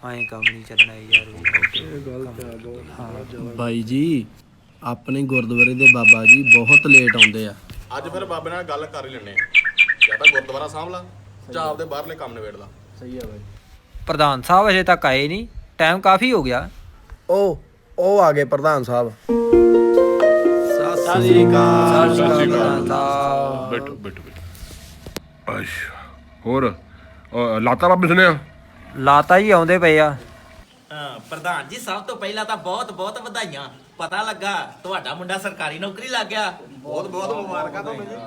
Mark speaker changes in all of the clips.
Speaker 1: ਐਂ ਕੰਮ ਨਹੀਂ ਚੱਲਣਾ ਯਾਰ।
Speaker 2: ਬਾਈ ਜੀ ਆਪਣੇ ਗੁਰਦੁਆਰੇ ਦੇ ਬਾਬਾ ਜੀ ਬਹੁਤ ਲੇਟ ਆਉਂਦੇ ਆ।
Speaker 3: ਅੱਜ ਫਿਰ ਬਾਬੇ ਨਾਲ ਗੱਲ ਕਰ ਹੀ ਲੈਣੇ ਆ, ਜਾਂ ਤਾਂ ਗੁਰਦੁਆਰਾ ਸਾਂਭ ਲਾ ਜਾਂ ਆਪਦੇ ਬਾਹਰਲੇ ਕੰਮ ਨਿਬੇੜ ਲਾ।
Speaker 2: ਸਹੀ ਆ ਬਾਈ।
Speaker 1: ਪ੍ਰਧਾਨ ਸਾਹਿਬ ਅਜੇ ਤੱਕ ਆਏ ਨਹੀਂ, ਟਾਈਮ ਕਾਫੀ ਹੋ ਗਿਆ।
Speaker 2: ਉਹ ਆ ਗਏ ਪ੍ਰਧਾਨ ਸਾਹਿਬ।
Speaker 1: ਸਤਿ ਸ੍ਰੀ ਅਕਾਲ।
Speaker 4: ਬੈਠੋ ਬੈਠੋ ਬੈਠੋ। ਅੱਛਾ ਹੋਰ ਲਾਤਾ ਬਾਬੇ ਸੁਣਿਆ?
Speaker 1: ਲਾਤਾ ਜੀ ਆਉਂਦੇ ਪਏ ਆ।
Speaker 5: ਪ੍ਰਧਾਨ ਜੀ ਸਭ ਤੋਂ ਪਹਿਲਾਂ ਤਾਂ ਬਹੁਤ ਬਹੁਤ ਵਧਾਈਆਂ। ਪਤਾ ਲੱਗਾ ਤੁਹਾਡਾ ਮੁੰਡਾ ਸਰਕਾਰੀ ਨੌਕਰੀ ਲੱਗ ਗਿਆ।
Speaker 3: ਬਹੁਤ ਬਹੁਤ ਮੁਬਾਰਕਾਂ ਤੁਹਾਨੂੰ ਜੀ।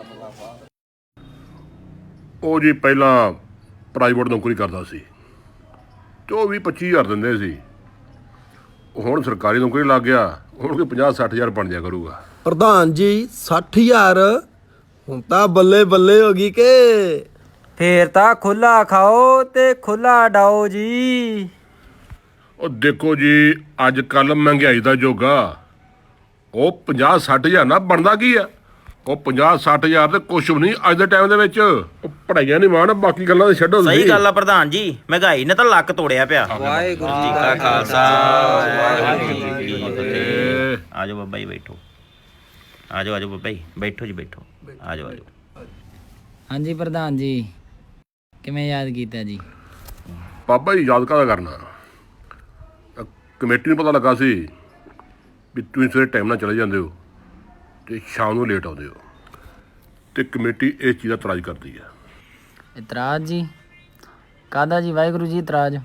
Speaker 4: ਉਹ ਜੀ ਪਹਿਲਾਂ ਪ੍ਰਾਈਵੇਟ ਨੌਕਰੀ ਕਰਦਾ ਸੀ ਤੇ ਉਹ 20-25 ਹਜ਼ਾਰ ਦਿੰਦੇ ਸੀ। ਹੁਣ ਸਰਕਾਰੀ ਨੌਕਰੀ ਲੱਗ ਗਿਆ, ਹੁਣ ਕੋਈ 50-60 ਹਜ਼ਾਰ ਬਣ ਜਾ ਕਰੂਗਾ।
Speaker 2: ਪ੍ਰਧਾਨ ਜੀ 60,000 ਹੁਣ ਤਾਂ ਬੱਲੇ ਬੱਲੇ ਹੋ ਗਈ ਕਿ
Speaker 1: ਫੇਰ ਤਾਂ ਖੁੱਲਾ ਖਾਓ ਤੇ ਖੁੱਲਾ ਡਾਓ ਜੀ।
Speaker 4: ਉਹ ਦੇਖੋ ਜੀ ਅੱਜ ਕੱਲ ਮਹਿੰਗਾਈ ਦਾ ਯੁੱਗ ਆ। ਉਹ 50-60 ਹਜ਼ਾਰ ਨਾ ਬਣਦਾ ਕੀ ਆ? ਉਹ 50-60 ਹਜ਼ਾਰ ਤੇ ਕੁਛ ਵੀ ਨਹੀਂ ਅੱਜ ਦੇ ਟਾਈਮ ਦੇ ਵਿੱਚ। ਉਹ ਪੜ੍ਹਾਈਆਂ ਨਹੀਂ ਮਾਣ, ਬਾਕੀ ਗੱਲਾਂ ਤੇ ਛੱਡੋ।
Speaker 5: ਸਹੀ ਗੱਲ ਆ ਪ੍ਰਧਾਨ ਜੀ, ਮਹਿੰਗਾਈ ਨੇ ਤਾਂ ਲੱਕ ਤੋੜਿਆ ਪਿਆ।
Speaker 1: ਵਾਹਿਗੁਰੂ ਜੀ ਕਾ ਖਾਲਸਾ ਵਾਹਿਗੁਰੂ ਜੀ ਕੀ ਫਤਿਹ।
Speaker 5: ਆਜੋ ਬਾਬਾ ਜੀ ਬੈਠੋ। ਆਜੋ ਆਜੋ ਬਾਬਾ ਜੀ ਬੈਠੋ ਜੀ ਬੈਠੋ। ਆਜੋ ਆਜੋ।
Speaker 6: ਹਾਂਜੀ ਪ੍ਰਧਾਨ ਜੀ, ਕਿਵੇਂ ਯਾਦ ਕੀਤਾ ਜੀ?
Speaker 4: ਬਾਬਾ ਜੀ ਯਾਦ ਕਾਹਦਾ ਕਰਨਾ, ਕਮੇਟੀ ਨੂੰ ਪਤਾ ਲੱਗਾ ਸੀ ਵੀ ਤੁਸੀਂ ਸਵੇਰੇ ਟਾਈਮ ਨਾਲ ਚਲੇ ਜਾਂਦੇ ਹੋ ਤੇ ਸ਼ਾਮ ਨੂੰ ਲੇਟ ਆਉਂਦੇ ਹੋ, ਤੇ ਕਮੇਟੀ ਇਸ ਚੀਜ਼ ਦਾ ਇਤਰਾਜ਼ ਕਰਦੀ ਆ।
Speaker 6: ਇਤਰਾਜ਼ ਜੀ? ਕਾਹਦਾ ਜੀ ਵਾਹਿਗੁਰੂ ਜੀ ਇਤਰਾਜ਼?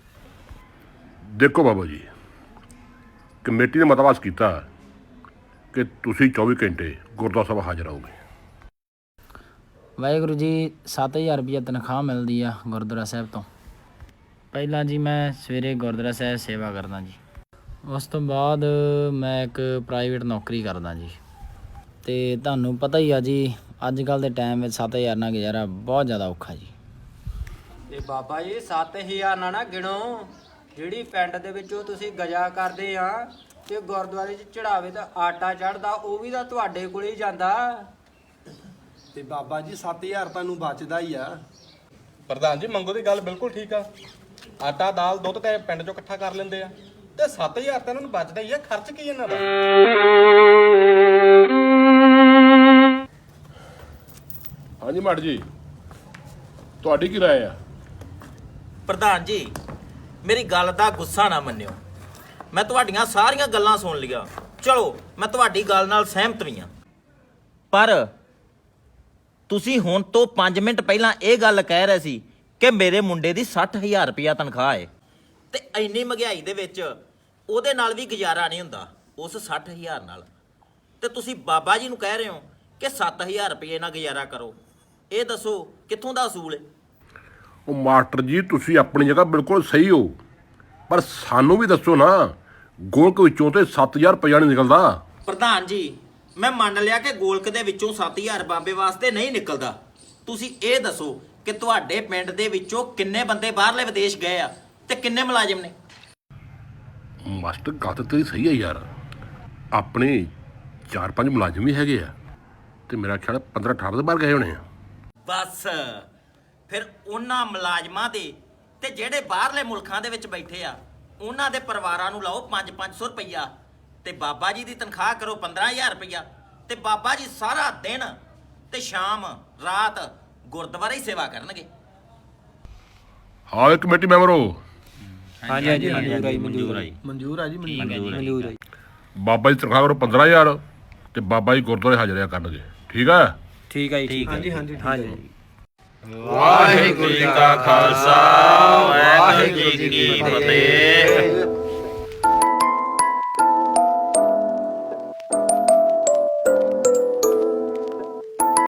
Speaker 4: ਦੇਖੋ ਬਾਬਾ ਜੀ, ਕਮੇਟੀ ਨੇ ਮਤਾ ਪਾਸ ਕੀਤਾ ਕਿ ਤੁਸੀਂ 24 ਘੰਟੇ ਗੁਰਦੁਆਰਾ ਸਾਹਿਬ ਹਾਜ਼ਰ ਰਹੋਗੇ।
Speaker 6: ਵਾਹਿਗੁਰੂ ਜੀ 7,000 ਰੁਪਈਆ ਤਨਖਾਹ ਮਿਲਦੀ ਆ ਗੁਰਦੁਆਰਾ ਸਾਹਿਬ ਤੋਂ। ਪਹਿਲਾਂ ਜੀ ਮੈਂ ਸਵੇਰੇ ਗੁਰਦੁਆਰਾ ਸਾਹਿਬ ਸੇਵਾ ਕਰਦਾ ਜੀ, ਉਸ ਤੋਂ ਬਾਅਦ ਮੈਂ ਇੱਕ ਪ੍ਰਾਈਵੇਟ ਨੌਕਰੀ ਕਰਦਾ ਜੀ। ਤੇ ਤੁਹਾਨੂੰ ਪਤਾ ਹੀ ਆ ਜੀ ਅੱਜ ਕੱਲ੍ਹ ਦੇ ਟਾਈਮ ਵਿੱਚ 7,000 ਨਾਲ ਗੁਜ਼ਾਰਾ ਬਹੁਤ ਜ਼ਿਆਦਾ ਔਖਾ ਜੀ।
Speaker 7: ਤੇ ਬਾਬਾ ਜੀ 7,000 ਨਾ ਗਿਣੋ, ਜਿਹੜੀ ਪਿੰਡ ਦੇ ਵਿੱਚੋਂ ਤੁਸੀਂ ਗਜਾ ਕਰਦੇ ਆ ਤੇ ਗੁਰਦੁਆਰੇ 'ਚ ਚੜਾਵੇ ਦਾ ਆਟਾ ਚੜਦਾ, ਉਹ ਵੀ ਤਾਂ ਤੁਹਾਡੇ ਕੋਲ ਹੀ ਜਾਂਦਾ।
Speaker 2: ਤੇ ਬਾਬਾ ਜੀ 7,000 ਤੁਹਾਨੂੰ ਬਚਦਾ ਹੀ ਆ।
Speaker 3: ਪ੍ਰਧਾਨ ਜੀ ਮੰਗੋ ਦੀ ਗੱਲ ਬਿਲਕੁਲ ਠੀਕ ਆ। ਆਟਾ ਦਾਲ ਦੁੱਧ ਤੇ ਪਿੰਡ ਚੋਂ ਇਕੱਠਾ ਕਰ ਲੈਂਦੇ ਆ ਤੇ 7,000 ਤਾਂ ਇਹਨਾਂ ਨੂੰ ਬਚਦਾ ਹੀ ਆ। ਖਰਚ ਕੀ ਇਹਨਾਂ ਦਾ?
Speaker 4: ਹਾਂਜੀ ਮਾੜ ਜੀ, ਤੁਹਾਡੀ ਕੀ ਰਾਏ ਆ?
Speaker 5: ਪ੍ਰਧਾਨ ਜੀ ਮੇਰੀ ਗੱਲ ਦਾ ਗੁੱਸਾ ਨਾ ਮੰਨਿਓ, ਮੈਂ ਤੁਹਾਡੀਆਂ ਸਾਰੀਆਂ ਗੱਲਾਂ ਸੁਣ ਲਈਆਂ। ਚਲੋ ਮੈਂ ਤੁਹਾਡੀ ਗੱਲ ਨਾਲ ਸਹਿਮਤ ਵੀ ਹਾਂ, ਪਰ ਤੁਸੀਂ ਹੁਣ ਤੋਂ 5 ਮਿੰਟ ਪਹਿਲਾਂ ਇਹ ਗੱਲ ਕਹਿ ਰਹੇ ਸੀ ਕਿ ਮੇਰੇ ਮੁੰਡੇ ਦੀ 60,000 ਰੁਪਇਆ ਤਨਖਾਹ ਹੈ, ਤੇ ਇੰਨੀ ਮਹਿੰਗਾਈ ਦੇ ਵਿੱਚ ਉਹਦੇ ਨਾਲ ਵੀ ਗੁਜ਼ਾਰਾ ਨਹੀਂ ਹੁੰਦਾ ਉਸ 60,000 ਨਾਲ। ਤੇ ਤੁਸੀਂ ਬਾਬਾ ਜੀ ਨੂੰ ਕਹਿ ਰਹੇ ਹੋ ਕਿ 7,000 ਰੁਪਏ ਨਾਲ ਗੁਜ਼ਾਰਾ ਕਰੋ। ਇਹ ਦੱਸੋ ਕਿੱਥੋਂ ਦਾ ਅਸੂਲ ਹੈ?
Speaker 4: ਉਹ ਮਾਸਟਰ ਜੀ ਤੁਸੀਂ ਆਪਣੀ ਜਗ੍ਹਾ ਬਿਲਕੁਲ ਸਹੀ ਹੋ, ਪਰ ਸਾਨੂੰ ਵੀ ਦੱਸੋ ਨਾ, ਗੋਲਕ ਵਿੱਚੋਂ ਤੇ 7,000 ਰੁਪਇਆ ਨਹੀਂ ਨਿਕਲਦਾ।
Speaker 5: ਪ੍ਰਧਾਨ ਜੀ ਮੈਂ ਮੰਨ ਲਿਆ ਕਿ ਗੋਲਕ ਦੇ ਵਿੱਚੋਂ 7,000 ਬਾਬੇ ਵਾਸਤੇ ਨਹੀਂ ਨਿਕਲਦਾ। ਤੁਸੀਂ ਇਹ ਦੱਸੋ ਕਿ ਤੁਹਾਡੇ ਪਿੰਡ ਦੇ ਵਿੱਚੋਂ ਕਿੰਨੇ ਬੰਦੇ ਬਾਹਰਲੇ ਵਿਦੇਸ਼ ਗਏ ਆ ਤੇ ਕਿੰਨੇ ਮੁਲਾਜ਼ਮ ਨੇ?
Speaker 4: ਮਾਸਟਰ ਗੱਲ ਤਾਂ ਤੇਰੀ ਸਹੀ ਹੈ ਯਾਰ, ਆਪਣੇ 4-5 ਮੁਲਾਜ਼ਮ ਵੀ ਹੈਗੇ ਆ ਤੇ ਮੇਰਾ ਖਿਆਲ 15-18 ਦੇ ਬਾਹਰ ਗਏ ਹੋਣੇ ਆ।
Speaker 5: ਬਸ ਫਿਰ ਉਹਨਾਂ ਮੁਲਾਜ਼ਮਾਂ ਦੇ ਤੇ ਜਿਹੜੇ ਬਾਹਰਲੇ ਮੁਲਕਾਂ ਦੇ ਵਿੱਚ ਬੈਠੇ ਆ ਉਹਨਾਂ ਦੇ ਪਰਿਵਾਰਾਂ ਨੂੰ ਲਾਓ 500 ਰੁਪਈਆ, ਤੇ ਬਾਬਾ ਜੀ ਦੀ ਤਨਖਾਹ ਕਰੋ 15,000 ਰੁਪਈਆ, ਤੇ ਬਾਬਾ ਜੀ ਸਾਰਾ ਦਿਨ ਤੇ ਸ਼ਾਮ ਰਾਤ ਗੁਰਦੁਆਰੇ ਹੀ ਸੇਵਾ ਕਰਨਗੇ।
Speaker 4: ਹਾਂ ਇਹ ਕਮੇਟੀ ਮੈਂਬਰ ਹੋ?
Speaker 1: ਹਾਂਜੀ ਹਾਂਜੀ ਮਨਜ਼ੂਰ ਆਈ ਮਨਜ਼ੂਰ ਆਈ
Speaker 2: ਮਨਜ਼ੂਰ ਆ ਜੀ,
Speaker 1: ਮਨਜ਼ੂਰ ਆਈ।
Speaker 4: ਬਾਬਾ ਜੀ ਤਨਖਾਹ ਕਰੋ 15,000 ਤੇ ਬਾਬਾ ਜੀ ਗੁਰਦੁਆਰੇ ਹਾਜ਼ਰਿਆ ਕਰਨਗੇ। ਠੀਕ ਆ?
Speaker 1: ਠੀਕ ਆ ਜੀ, ਠੀਕ।
Speaker 2: ਹਾਂਜੀ ਹਾਂਜੀ
Speaker 1: ਹਾਂਜੀ।
Speaker 5: ਵਾਹਿਗੁਰੂ ਜੀ ਕਾ ਖਾਲਸਾ ਵਾਹਿਗੁਰੂ ਜੀ ਕੀ ਫਤਿਹ।